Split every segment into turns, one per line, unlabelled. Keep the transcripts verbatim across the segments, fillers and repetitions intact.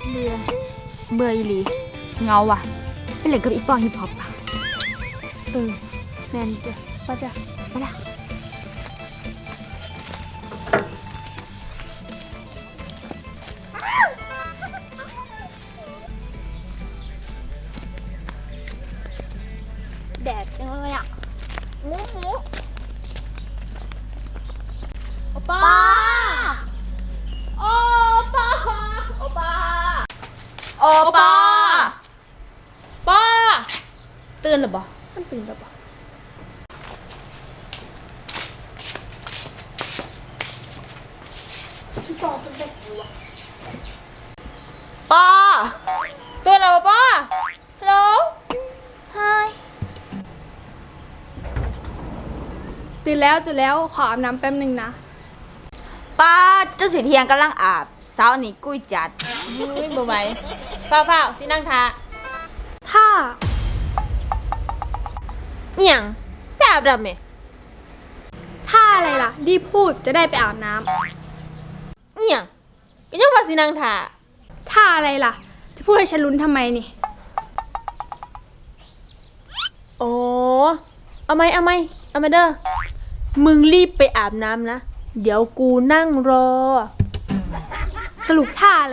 เบื่อเบื่ออีหลีเงาว่ะไปเล่นกับอีปอฮิปฮอปอ่ะเออแมนเด้อไปเด้อไปละแดดจังเลยอ่ะหมูหมูโอป้าโอป้าโอป้าโอป้าป้าตื่นหรือเปล่ามันตื่นหรือเปล่าพี่ปอเป็นแบบไหนวะป้าตื่นแล้วป้าฮัลโหลไฮตื่นแล้วตื่นแล้วขออาบน้ำแป๊บนึงนะป้าเจ้าสีเทียงกำลังอาบเช้านี้กุ้ยจัดไม่บ่ไหวเฝ้าๆสินั่งทาท่าเอี่ยงไปอาบน้ำไหมท่าอะไรล่ะรีบพูดจะได้ไปอาบน้ำเอี่ยงก็ยังว่าสินั่งทาท่าอะไรล่ะจะพูดให้ฉันลุ้นทำไมนี่โอ้เอาไหมเอาไหมเอามาเด้อมึงรีบไปอาบน้ำนะเดี๋ยวกูนั่งรอสรุปท่าอะไร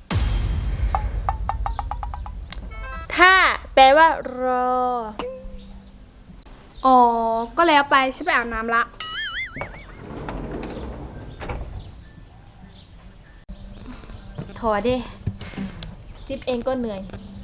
ท่าแปลว่ารออ๋อก็แล้วไปฉันไปอาบน้ำละถอดดิจิ๊บเองก็เหนื่อย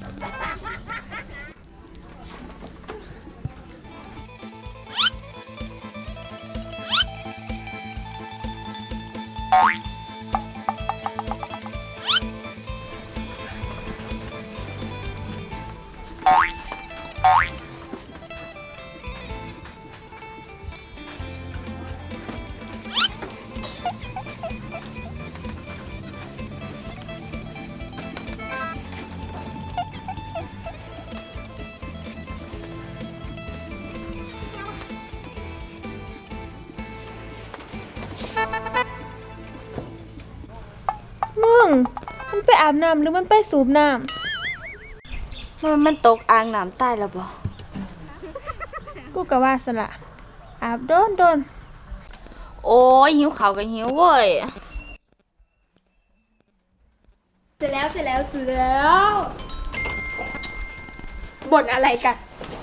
มึงมันไปอาบน้ำหรือมันไปสูบน้ำมันมันตกอ่างน้ำใต้แล้วบ่กูกะว่าสละอาบโดนโดนโอ้ยหิวข้าวก็หิวเว้ยเสร็จแล้วเสร็จแล้วเสร็จแล้วบ่นอะไรกัน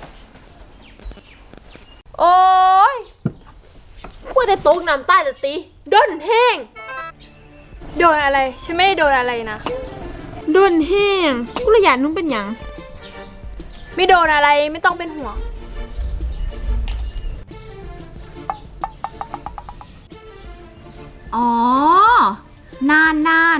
โอ้ยกูแต่ตกน้ำใต้ละตีด้นแห้งโดนอะไรฉันไม่ได้โดนอะไรนะโดนแห้งกูเลยอยากนุ่งเป็นหยังไม่โดนอะไรไม่ต้องเป็นห่วงอ๋อนานนาน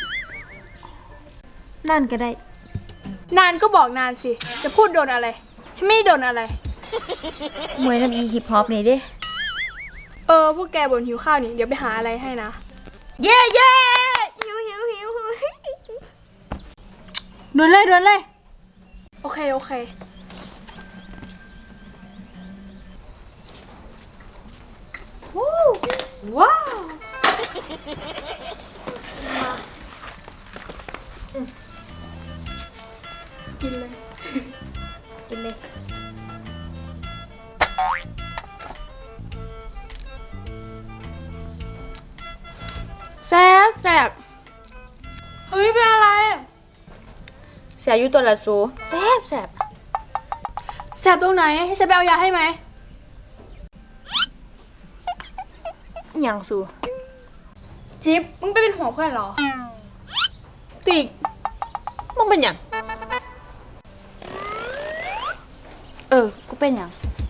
นานก็ได้นานก็บอกนานสิจะพูดโดนอะไรฉันไม่โดนอะไรมวยน้ำอีฮิปฮอปนี่ดิเออพวกแกบ่นหิวข้าวนี่เดี๋ยวไปหาอะไรให้นะเย่เย่หิวหิวหิวโดนเลยโดนเลยโอเคโอเคว้าวกินเลยกินเลยแซ่บแซ่บเฮ้ยเป็นอะไรแซ่บอยู่ตัวละสูแซ่บแซ่บแซ่บตรงไหนให้ฉันไปเอายาให้ไหมอย่างสูจิ๊บมึงไปเป็นห่วงเพื่อนเหรอติ๊กมึงเป็นอย่างเออกูเป็นอย่าง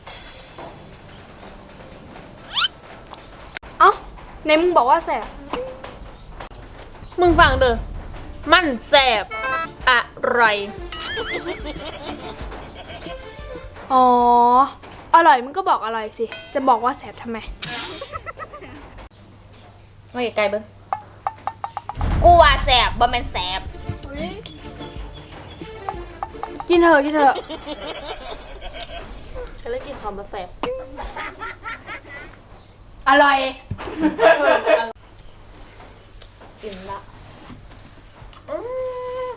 เอ้าในมึงบอกว่าแสบมึงฟังเด้อมันแสบอะไรอ๋ออร่อยมึงก็บอกอร่อยสิจะบอกว่าแสบทำไมมาไกลๆเบิ้งกูว่าแสบบ่แม่นแสบกินเถอะกินเถอะก็เลยกินของมาแสบอร่อยกินละ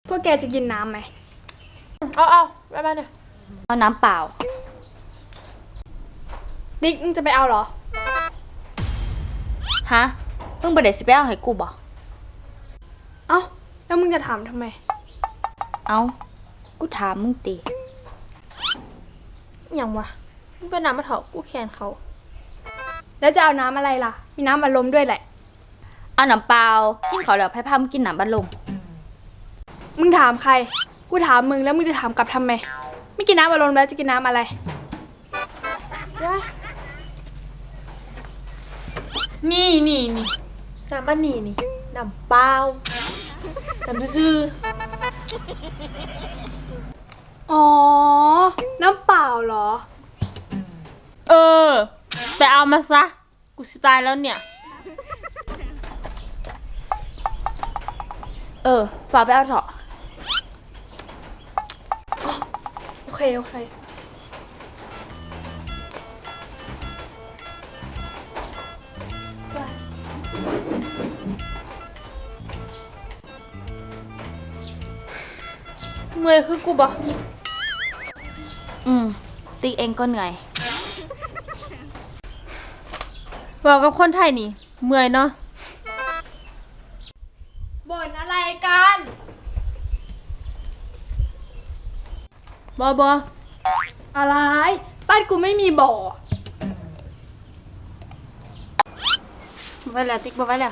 พวกแกจะกินน้ำไหม
เอาเอาไปมาเนี่ย
เอาน้ำเปล่า
ติ๊กมึงจะไปเอาเหรอ
ฮะมึงบ่ได้สิไปเอาให้กูบ่
เอ้า แล้วมึงจะถามทำไม
เอากูถามมึงติ
อย่างวะมึงไปน้ำมาเถอะกูแขนเขา
แล้วจะเอาน้ำอะไรล่ะ มีน้ำอัดลมด้วยแหละ
เอาน้ำเปล่ากินข้าวแล้วไผพามึงกินน้ำบัดลม
มึงถามใคร กูถามมึงแล้วมึงจะถามกลับทำไม ไม่กินน้ำอัดลมแล้วจะกินน้ำอะไร
นี่นี่นี่น้ำอันนี้นี่น้ำเปล่าน้ำซื่อ
อ๋อ น้ำเปล่าเหรอ
เออไปเอามาซะกูสิตายแล้วเนี่ย
เออฝากไปเอาเถอะ
โอเค โอเค
เมื่อยคือกูบ่
อืมติ๊กเองก็เหนื่อย
บอกกับคนไทยนี่เมื่อยเนาะ
บ่นอะไรกัน
บอบอ
อะไร บ้านกูไม่มีบ่อ
ไว้แล้วติ๊กบอไว้แล้ว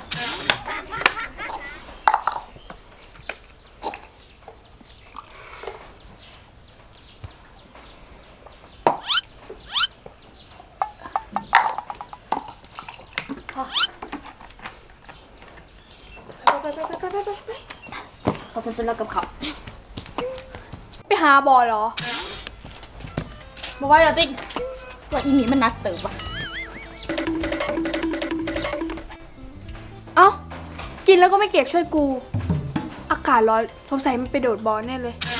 ไปไปไปไปไปไปไป
เขาไปซื้อแล้วกับเขาว
ไปหาบ่อเหรอ
บอไว้แล้วติ๊ก
ว่าอีนี้มันนักเติบว่ะ
เอ้า กินแล้วก็ไม่เก็บช่วยกู อากาศร้อนสงสัยมันไปโดดบ่อแน่เลย